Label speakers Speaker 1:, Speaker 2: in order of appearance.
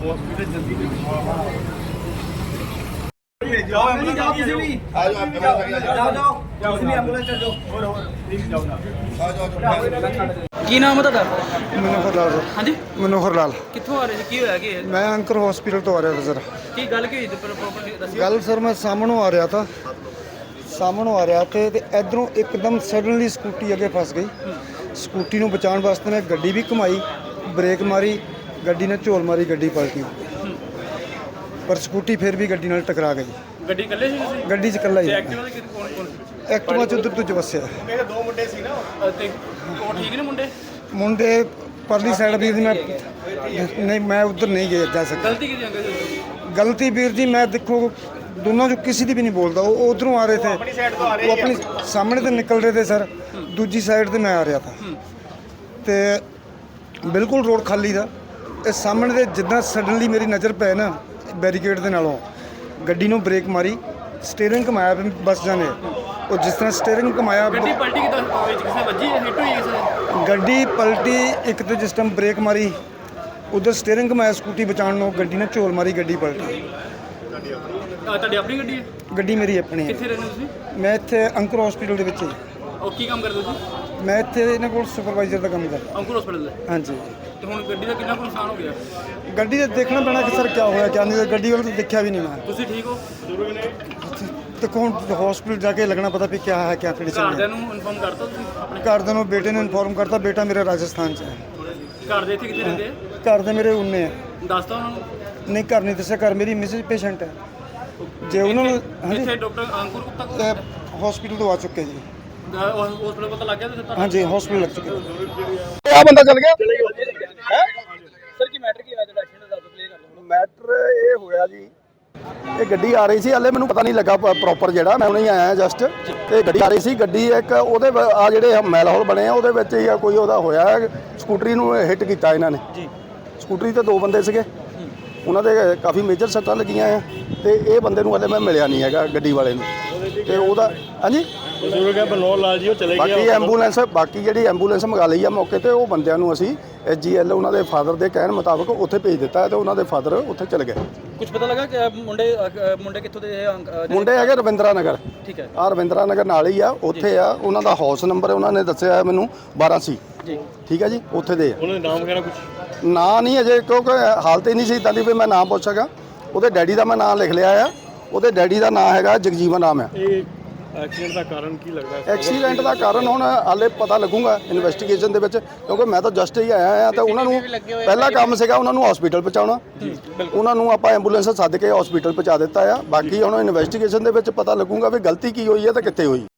Speaker 1: Hospital जल्दी
Speaker 2: ਕੀ ਨਾਮ ਹੈ ਤੁਹਾਡਾ?
Speaker 3: ਮਨੋਹਰ ਲਾਲ ਸਰ।
Speaker 2: ਹਾਂਜੀ,
Speaker 3: ਮਨੋਹਰ ਲਾਲ।
Speaker 2: ਕਿੱਥੋਂ ਆ ਰਹੇ ਸੀ? ਕੀ ਹੋਇਆ ਕਿ
Speaker 3: ਮੈਂ ਅੰਕਰ ਹਸਪੀਟਲ ਤੋਂ ਆ ਰਿਹਾ था सर।
Speaker 2: ਕੀ ਗੱਲ ਕੀ ਹੋਈ ਤੇ ਪ੍ਰੋਪਰਲੀ ਦੱਸਿਓ।
Speaker 3: ਗੱਲ ਸਰ ਮੈਂ ਸਾਹਮਣੋਂ ਆ ਰਿਹਾ था ਤੇ ਇਧਰੋਂ ਇੱਕਦਮ ਸਡਨਲੀ ਸਕੂਟੀ ਅੱਗੇ ਫਸ ਗਈ। ਸਕੂਟੀ ਨੂੰ ਬਚਾਉਣ ਵਾਸਤੇ ਮੈਂ ਗੱਡੀ ਵੀ ਘੁਮਾਈ, ਬ੍ਰੇਕ ਮਾਰੀ, ਗੱਡੀ ਨੇ ਝੋਲ ਮਾਰੀ, ਗੱਡੀ ਪਲਟੀ ਪਰ ਸਕੂਟੀ ਫਿਰ ਵੀ ਗੱਡੀ ਨਾਲ ਟਕਰਾ ਗਈ।
Speaker 2: ਗੱਡੀ ਇਕੱਲੇ ਸੀ ਤੁਸੀਂ?
Speaker 3: ਗੱਡੀ 'ਚ ਇਕੱਲਾ ਹੀ।
Speaker 2: ਐਕਟਿਵਾ ਦੇ ਕੌਣ ਕੌਣ ਸੀ?
Speaker 3: ਐਕਟਿਵਾ 'ਚ ਉੱਧਰ ਤੋਂ ਵਸਿਆ
Speaker 1: मेरे दो मुंडे सी ना
Speaker 2: ਤੇ ਉਹ ਠੀਕ ਨੇ ਮੁੰਡੇ?
Speaker 3: ਮੁੰਡੇ ਪਰਲੀ ਸਾਈਡ ਵੀਰ ਜੀ। ਨਹੀਂ ਮੈਂ ਉੱਧਰ ਨਹੀਂ ਗਿਆ ਜਾ ਸਕਦਾ।
Speaker 2: ਗਲਤੀ ਕਿਹਦੀ ਅੰਕਲ ਜੀ?
Speaker 3: गलती वीर जी मैं देखो दोनों जो किसी की भी नहीं बोलता, वो उधरों आ रहे थे, वो अपनी सामने तो निकल रहे थे सर, दूजी साइड से मैं आ रहा था तो बिल्कुल रोड खाली था। इस सामने से जिदा सडनली मेरी नज़र पै ना बैरीकेड के नालों गड्डी नूं ब्रेक मारी, स्टेयरिंग घुमाया बस जाने, और जिस तरह स्टेयरिंग घुमाया
Speaker 2: ਗੱਡੀ ਪਲਟੀ ਕਿਦਾਂ? ਵਿੱਚ ਕਿਸੇ ਵੱਜੀ ਹੈ? ਹਿੱਟ ਹੋਈ ਕਿਸੇ ਨੇ?
Speaker 3: गड्डी पलटी। एक तो जिस टाइम ब्रेक मारी उधर स्टेयरिंग घुमाया स्कूटी बचाने, गड्डी ने झोल मारी, गड्डी पलटी।
Speaker 2: ਤੁਹਾਡੀ ਆਪਣੀ ਗੱਡੀ ਹੈ?
Speaker 3: गड्डी मेरी अपनी है।
Speaker 2: ਕਿੱਥੇ ਰਹਿੰਦੇ ਤੁਸੀਂ?
Speaker 3: मैं इत्थे अंकुर हॉस्पिटल ਦੇ ਵਿੱਚ
Speaker 2: ਉਹ ਕੀ ਕੰਮ ਕਰਦੇ ਤੁਸੀਂ?
Speaker 3: मैं इत्थे ਇਹਨਾਂ ਕੋਲ ਸੁਪਰਵਾਈਜ਼ਰ ਦਾ ਕੰਮ ਕਰਦਾ।
Speaker 2: ਅੰਕੁਰ ਹਸਪੀਟਲ ਦੇ?
Speaker 3: ਹਾਂਜੀ।
Speaker 2: ਤੇ ਹੁਣ ਗੱਡੀ ਦਾ ਕਿੰਨਾ ਕੁ ਨੁਕਸਾਨ ਹੋ ਗਿਆ?
Speaker 3: ਗੱਡੀ ਦਾ ਦੇਖਣਾ ਪੈਣਾ ਕਿ ਸਰ ਕੀ ਹੋਇਆ ਕਿਆ ਨਹੀਂ। ਗੱਡੀ ਵੱਲ ਤਾਂ ਦੇਖਿਆ ਵੀ ਨਹੀਂ ਮੈਂ।
Speaker 2: ਤੁਸੀਂ ਠੀਕ ਹੋ?
Speaker 3: ਦੇਖੋ ਹੁਣ ਹਸਪੀਟਲ ਜਾ ਕੇ ਲੱਗਣਾ ਪਤਾ ਵੀ ਕੀ ਹੈ ਕਿਆ ਕੰਡੀਸ਼ਨ ਹੈ।
Speaker 2: ਘਰਦਿਆਂ ਨੂੰ ਇਨਫੋਰਮ ਕਰਤਾ ਤੁਸੀਂ ਆਪਣੇ?
Speaker 3: ਘਰਦਿਆਂ ਨੂੰ ਬੇਟੇ ਨੇ ਇਨਫੋਰਮ ਕਰਤਾ। ਬੇਟਾ ਮੇਰਾ ਰਾਜਸਥਾਨ 'ਚ ਹੈ।
Speaker 2: ਘਰ ਦੇ ਇੱਥੇ ਕਿੱਥੇ ਰਹਿੰਦੇ ਆ?
Speaker 3: ਘਰ ਦੇ ਮੇਰੇ ਉਨੇ ਹੈ।
Speaker 2: ਦੱਸਤਾ ਉਹਨਾਂ ਨੂੰ?
Speaker 3: ਨਹੀਂ ਘਰ ਨਹੀਂ ਦੱਸਿਆ। ਘਰ ਮੇਰੀ ਮਿਸਿਸ ਪੇਸ਼ੈਂਟ ਹੈ। ਜੇ ਉਹਨਾਂ ਨੂੰ
Speaker 2: ਇੱਥੇ ਡਾਕਟਰ ਅੰਕੁਰ ਗੁਪਤਾ ਕੋਲ
Speaker 3: ਹਸਪੀਟਲ ਤੋਂ ਆ ਚੁੱਕੇ ਜੀ।
Speaker 2: ਹਸਪੀਟਲ ਪਤਾ ਲੱਗ ਗਿਆ ਤੇ
Speaker 3: ਹਾਂਜੀ ਹਸਪੀਟਲ ਲੱਗ ਚੁੱਕੇ।
Speaker 1: क्या बंदा चल गया
Speaker 2: ਸਰ ਕੀ ਮੈਟਰ ਕੀ ਹੋਇਆ ਜਿਹੜਾ ਐਕਸੀਡੈਂਟ ਦਾ? ਕਲੀਅਰ ਕਰ ਦਿਓ।
Speaker 1: ਮੈਟਰ ਇਹ ਹੋਇਆ ਜੀ, ਇਹ ਗੱਡੀ ਆ ਰਹੀ ਸੀ, ਹਲੇ ਮੈਨੂੰ ਪਤਾ ਨਹੀਂ ਲੱਗਾ ਪ੍ਰੋਪਰ, ਜਿਹੜਾ ਮੈਂ ਹੁਣੇ ਆਇਆ ਜਸਟ, ਤੇ ਗੱਡੀ ਆ ਰਹੀ ਸੀ। ਗੱਡੀ ਇੱਕ ਉਹਦੇ ਆ ਜਿਹੜੇ ਮੈਲ ਹੌਲ ਬਣੇ ਆ ਉਹਦੇ ਵਿੱਚ ਹੀ ਕੋਈ ਉਹਦਾ ਹੋਇਆ, ਸਕੂਟਰੀ ਨੂੰ ਹਿੱਟ ਕੀਤਾ ਇਹਨਾਂ ਨੇ ਜੀ। ਸਕੂਟਰੀ ਤੇ ਦੋ ਬੰਦੇ ਸੀਗੇ, ਉਹਨਾਂ ਦੇ ਕਾਫੀ ਮੇਜਰ ਸੱਟਾਂ ਲੱਗੀਆਂ ਆ, ਤੇ ਇਹ ਬੰਦੇ ਨੂੰ ਹਲੇ ਮੈਂ ਮਿਲਿਆ ਨਹੀਂ ਹੈਗਾ ਗੱਡੀ ਵਾਲੇ ਨੂੰ, ਤੇ ਉਹਦਾ ਹਾਂਜੀ
Speaker 4: ਬਨੋਰ ਲਾਲ ਜੀ ਉਹ ਚਲੇ ਗਏ।
Speaker 1: ਬਾਕੀ ਜਿਹੜੀ ਐਂਬੂਲੈਂਸ ਮੰਗਾ ਲਈ ਆ ਮੌਕੇ ਤੇ, ਉਹ ਬੰਦਿਆਂ ਨੂੰ ਅਸੀਂ SGL ਉਹਨਾਂ ਦੇ ਫਾਦਰ ਦੇ ਕਹਿਣ ਮੁਤਾਬਕ ਉੱਥੇ ਭੇਜ ਦਿੱਤਾ ਹੈ, ਤੇ ਉਹਨਾਂ ਦੇ ਫਾਦਰ ਉੱਥੇ ਚਲੇ ਗਏ।
Speaker 2: ਕੁਝ ਪਤਾ ਲੱਗਾ ਕਿ ਮੁੰਡੇ ਕਿੱਥੋਂ ਦੇ?
Speaker 1: ਮੁੰਡੇ ਹੈਗੇ ਰਵਿੰਦਰਾ ਨਗਰ।
Speaker 2: ਠੀਕ ਹੈ।
Speaker 1: ਆ ਰਵਿੰਦਰਾ ਨਗਰ ਨਾਲ ਹੀ ਆ, ਉੱਥੇ ਆ ਉਹਨਾਂ ਦਾ ਹਾਊਸ ਨੰਬਰ ਉਹਨਾਂ ਨੇ ਦੱਸਿਆ ਮੈਨੂੰ 12 ਸੀ
Speaker 2: ਜੀ।
Speaker 1: ਠੀਕ ਹੈ ਜੀ, ਉੱਥੇ ਦੇ ਆ।
Speaker 4: ਉਹਨਾਂ ਦਾ ਨਾਮ ਵਗੈਰਾ ਕੁਝ
Speaker 1: ਨਾਂ ਨਹੀਂ ਅਜੇ, ਕਿਉਂਕਿ ਹਾਲਤ ਹੀ ਨਹੀਂ ਸੀ ਇੱਦਾਂ ਦੀ ਵੀ ਮੈਂ ਨਾਮ ਪੁੱਛ ਸਕਾਂ। ਉਹਦੇ ਡੈਡੀ ਦਾ ਮੈਂ ਨਾਮ ਲਿਖ ਲਿਆ ਆ, ਉਹਦੇ ਡੈਡੀ ਦਾ ਨਾਮ ਹੈਗਾ ਜਗਜੀਵਨ ਨਾਮ ਹੈ।
Speaker 4: ਇਹ ਐਕਸੀਡੈਂਟ ਦਾ ਕਾਰਨ ਕੀ ਲੱਗਦਾ?
Speaker 1: ਐਕਸੀਡੈਂਟ ਦਾ ਕਾਰਨ ਹੁਣ ਹਾਲੇ ਪਤਾ ਲੱਗੂਗਾ ਇਨਵੈਸਟੀਗੇਸ਼ਨ ਦੇ ਵਿੱਚ, ਕਿਉਂਕਿ ਮੈਂ ਤਾਂ ਜਸਟ ਹੀ ਆਇਆ ਆ, ਤੇ ਉਹਨਾਂ ਨੂੰ ਪਹਿਲਾ ਕੰਮ ਸੀਗਾ ਉਹਨਾਂ ਨੂੰ ਹਸਪੀਟਲ ਪਹੁੰਚਾਉਣਾ। ਉਹਨਾਂ ਨੂੰ ਆਪਾਂ ਐਂਬੂਲੈਂਸ ਸੱਦ ਕੇ ਹਸਪੀਟਲ ਪਹੁੰਚਾ ਦਿੱਤਾ ਆ। ਬਾਕੀ ਹੁਣ ਇਨਵੈਸਟੀਗੇਸ਼ਨ ਦੇ ਵਿੱਚ ਪਤਾ ਲੱਗੂਗਾ ਵੀ ਗਲਤੀ ਕੀ ਹੋਈ ਹੈ ਤੇ ਕਿੱਥੇ ਹੋਈ।